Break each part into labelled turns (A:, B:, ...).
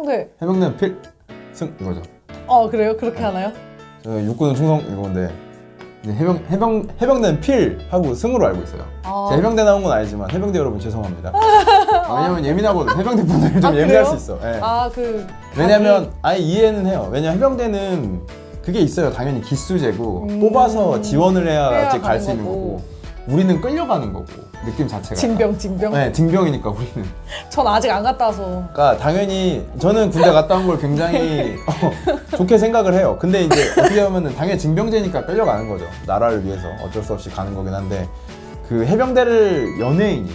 A: 해병대.
B: 해병대는 필승 이거죠.
A: 그래요? 그렇게 하나요?
B: 저 육군은 충성 이건데 이제 해병대는 필 하고 승으로 알고 있어요. 제가 해병대 나온 건 아니지만 해병대 여러분 죄송합니다. 왜냐면 예민하거든. 해병대 분들이 좀 예민할 수 있어. 네. 왜냐면 아예 이해는 해요. 왜냐면 해병대는 그게 있어요. 당연히 기수제고 뽑아서 지원을 해야지 갈 수 있는 거고 우리는 끌려가는 거고 느낌 자체가
A: 징병.
B: 네, 징병이니까 우리는.
A: 전 아직 안 갔다 와서.
B: 그러니까 당연히 저는 군대 갔다 온 걸 굉장히 좋게 생각을 해요. 근데 이제 어떻게 보면은 당연히 징병제니까 끌려가는 거죠. 나라를 위해서 어쩔 수 없이 가는 거긴 한데 그 해병대를 연예인이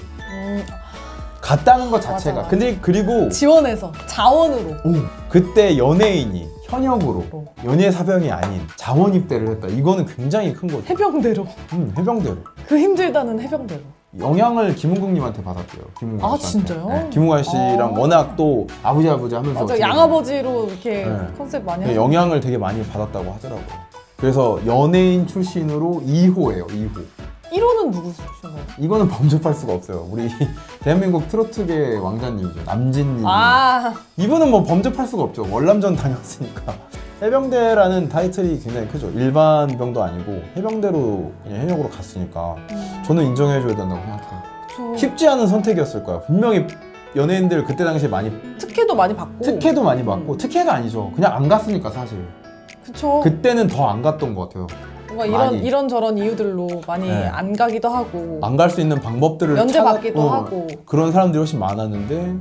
B: 갔다는 것 자체가
A: 맞아.
B: 근데 그리고
A: 지원해서 자원으로.
B: 그때 연예인이 현역으로 연예 사병이 아닌 자원 입대를 했다. 이거는 굉장히 큰 거죠.
A: 해병대로.
B: 해병대로.
A: 그 힘들다는 해병대로.
B: 영향을 김은국님한테 받았대요. 김은국
A: 아,
B: 씨한테.
A: 진짜요?
B: 네, 김은국 씨랑 워낙 또 아버지 하면서
A: 맞아, 양아버지로 이렇게
B: 네.
A: 컨셉 많이
B: 네,
A: 하죠.
B: 영향을 되게 많이 받았다고 하더라고요. 그래서 연예인 출신으로 2호예요. 2호.
A: 1호는 누구신가요?
B: 이거는 범접할 수가 없어요. 우리 대한민국 트로트계 왕자님이죠. 남진님. 이분은 뭐 범접할 수가 없죠. 월남전 다녔으니까. 해병대라는 타이틀이 굉장히 크죠. 일반 병도 아니고 해병대로 그냥 현역으로 갔으니까 저는 인정해줘야 된다고 생각해요. 쉽지 않은 선택이었을 거야. 분명히 연예인들 그때 당시에 많이
A: 특혜도 많이 받고.
B: 특혜도 많이 받고 특혜가 아니죠. 그냥 안 갔으니까 사실.
A: 그쵸.
B: 그때는 더 안 갔던 것 같아요.
A: 뭔가 이런저런 이유들로 많이
B: 네.
A: 안 가기도 하고
B: 안 갈 수 있는 방법들을
A: 면제 받기도 하고
B: 그런 사람들이 훨씬 많았는데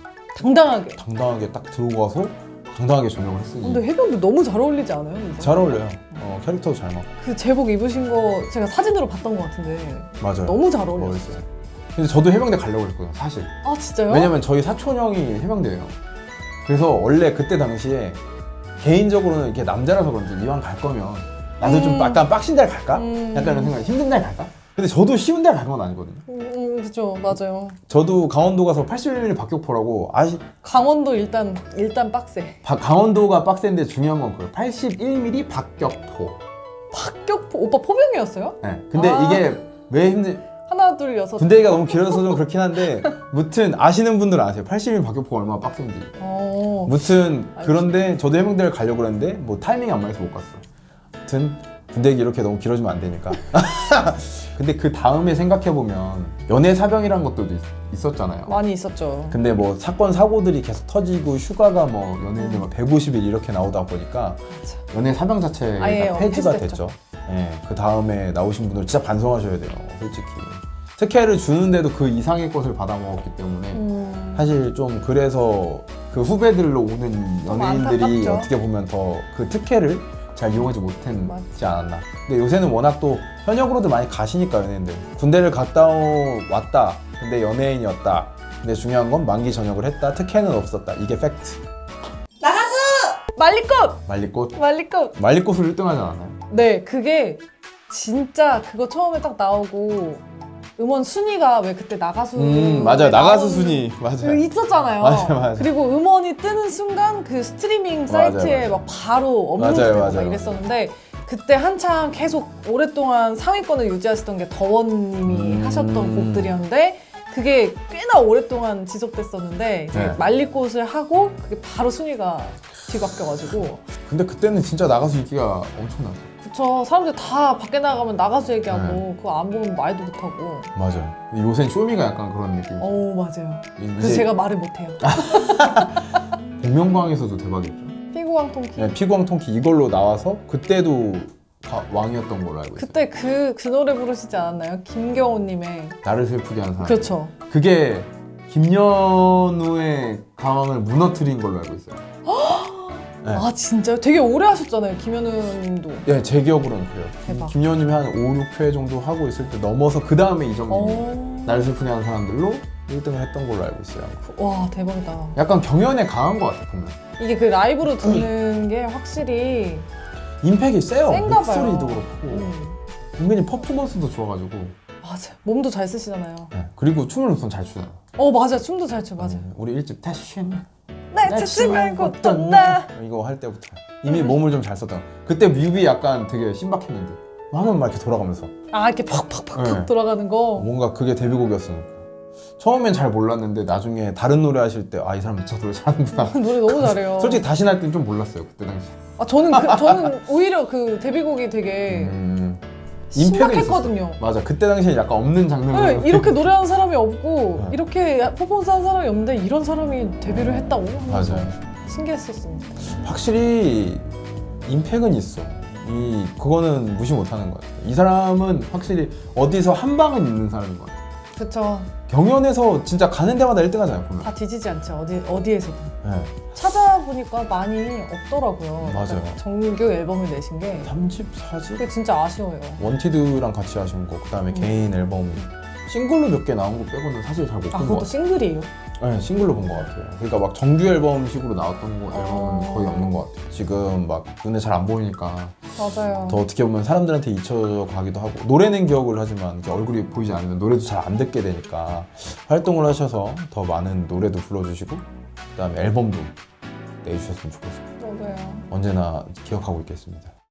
A: 당당하게
B: 딱 들어가서 당당하게 전역을 했으니
A: 근데 해병대 너무 잘 어울리지 않아요?
B: 잘 어울려요. 캐릭터도 잘 맞고.
A: 그 제복 입으신 거 제가 사진으로 봤던 것 같은데
B: 맞아요.
A: 너무 잘 어울렸어요.
B: 멋있어요. 근데 저도 해병대 가려고 했거든요, 사실.
A: 아, 진짜요?
B: 왜냐면 저희 사촌 형이 해병대예요. 그래서 원래 그때 당시에 개인적으로는 이렇게 남자라서 그런지 이왕 갈 거면 나도 좀 약간 빡신 데를 갈까? 약간 이런 생각이 힘든 데를 갈까? 근데 저도 쉬운 데를 갈 건 아니거든요.
A: 그죠, 맞아요.
B: 저도 강원도 가서 81mm 박격포라고
A: 강원도 일단 빡세.
B: 강원도가 빡센데 중요한 건 그거예요. 81mm 박격포.
A: 박격포 오빠 포병이었어요?
B: 네. 근데 이게 왜
A: 하나 둘 여섯.
B: 군대가 너무 길어서 좀 그렇긴 한데 무튼 아시는 분들은 아세요. 80mm 박격포가 얼마나 빡센지. 무튼 그런데 저도 해병대를 가려고 그랬는데 뭐 타이밍이 안 맞아서 못 갔어. 무튼 군대가 이렇게 너무 길어지면 안 되니까. 근데 그 다음에 생각해보면 연애 사병이란 것도 있었잖아요.
A: 많이 있었죠.
B: 근데 뭐 사건 사고들이 계속 터지고 휴가가 뭐 연예인들 150일 이렇게 나오다 보니까
A: 맞아.
B: 연애 사병 자체가 폐지가 됐죠. 네, 그 다음에 나오신 분들 진짜 반성하셔야 돼요. 솔직히 특혜를 주는데도 그 이상의 것을 받아먹었기 때문에 사실 좀 그래서 그 후배들로 오는 연예인들이
A: 안타깝죠.
B: 어떻게 보면 더 그 특혜를 잘 이용하지 못했지 않았나. 근데 요새는 워낙 또 현역으로도 많이 가시니까 연예인들 군대를 갔다 왔다 근데 연예인이었다. 근데 중요한 건 만기 전역을 했다. 특혜는 없었다. 이게 팩트.
A: 나가수!
B: 말리꽃
A: 말리꽃
B: 1등 하지 않았나요?
A: 네, 그게 진짜 그거 처음에 딱 나오고 음원 순위가 왜 그때 나가수
B: 맞아요. 나가수 순위 맞아요.
A: 있었잖아요.
B: 맞아요.
A: 그리고 음원이 뜨는 순간 그 스트리밍 사이트에
B: 맞아요.
A: 막 바로 업로드되고 막
B: 맞아요.
A: 이랬었는데 그때 한창 계속 오랫동안 상위권을 유지하셨던 게 더원님이 하셨던 곡들이었는데 그게 꽤나 오랫동안 지속됐었는데 이제
B: 네.
A: 말리꽃을 하고 그게 바로 순위가 뒤바뀌어가지고
B: 근데 그때는 진짜 나가수 인기가 엄청났어요.
A: 그쵸. 사람들 다 밖에 나가면 나가수 얘기하고 그거 안 보면 말도 못하고.
B: 맞아요. 요새는 쇼미가 약간 그런 느낌.
A: 맞아요. 그래서 제가 말을 못해요.
B: 복면가왕에서도 대박이었죠.
A: 피구왕 통키.
B: 네, 피구왕 통키 이걸로 나와서 그때도 왕이었던 걸로 알고 있어요.
A: 그때 그 노래 부르시지 않았나요? 김경호님의.
B: 나를 슬프게 하는 사람.
A: 그렇죠.
B: 그게 김연우의 가왕을 무너뜨린 걸로 알고 있어요. 네.
A: 아, 진짜요? 되게 오래 하셨잖아요, 김현우님도.
B: 네, 제 기억으로는 그래요.
A: 대박.
B: 김연우님이 한 5, 6회 정도 하고 있을 때 넘어서 그 다음에 이정님이 나를 슬프게 하는 사람들로 1등을 했던 걸로 알고 있어요.
A: 와, 대박이다.
B: 약간 경연에 강한 것 같아 보면.
A: 이게 그 라이브로 듣는 게 확실히
B: 임팩이 세요.
A: 센가 봐요.
B: 목소리도 그렇고 은근히 퍼포먼스도 좋아가지고.
A: 맞아요. 몸도 잘 쓰시잖아요.
B: 네. 그리고 춤을 우선 잘 추잖아.
A: 맞아요. 춤도 잘 춰, 맞아요.
B: 우리 1집 다시
A: 날 찾지 말고 떠나.
B: 이거 할 때부터 이미 몸을 좀 잘 썼다. 그때 뮤비 약간 되게 신박했는데 하면 막 이렇게 돌아가면서
A: 이렇게 팍팍팍팍
B: 네.
A: 돌아가는 거.
B: 뭔가 그게 데뷔곡이었으니까. 처음엔 잘 몰랐는데 나중에 다른 노래 하실 때 아 이 사람 진짜 노래 잘하는구나.
A: 노래 너무 잘해요.
B: 솔직히 다시 날 땐 좀 몰랐어요 그때 당시.
A: 아, 저는 오히려 그 데뷔곡이 되게
B: 임팩은
A: 심각했거든요.
B: 있었어. 맞아 그때 당시에 약간 없는 장르로.
A: 네, 이렇게 노래하는 사람이 없고
B: 네.
A: 이렇게 퍼포먼스 하는 사람이 없는데 이런 사람이 데뷔를 했다고 하면서
B: 맞아요.
A: 신기했었습니다.
B: 확실히 임팩은 있어. 그거는 무시 못하는 것 같아요. 이 사람은 확실히 어디서 한 방은 있는 사람인 것 같아요.
A: 그쵸.
B: 경연에서 진짜 가는 데마다 1등하잖아요 보면.
A: 다 뒤지지 않죠. 어디에서든.
B: 네.
A: 찾아보니까 많이 없더라고요.
B: 맞아요.
A: 정규 앨범을 내신 게
B: 3집, 4집?
A: 그게 진짜 아쉬워요.
B: 원티드랑 같이 하신 거, 그 다음에 개인 앨범 싱글로 몇 개 나온 거 빼고는 사실 잘 못
A: 아,
B: 본 것
A: 그것도
B: 같아요.
A: 싱글이에요?
B: 네, 싱글로 본 것 같아요. 그러니까 막 정규 앨범식으로 나왔던 거 앨범은 거의 없는 것 같아요. 지금 막 눈에 잘 안 보이니까
A: 맞아요.
B: 더 어떻게 보면 사람들한테 잊혀져 가기도 하고 노래는 기억을 하지만 이렇게 얼굴이 보이지 않으면 노래도 잘 안 듣게 되니까 활동을 하셔서 더 많은 노래도 불러주시고 그 다음에 앨범도 내주셨으면 좋겠습니다.
A: 맞아요.
B: 언제나 기억하고 있겠습니다.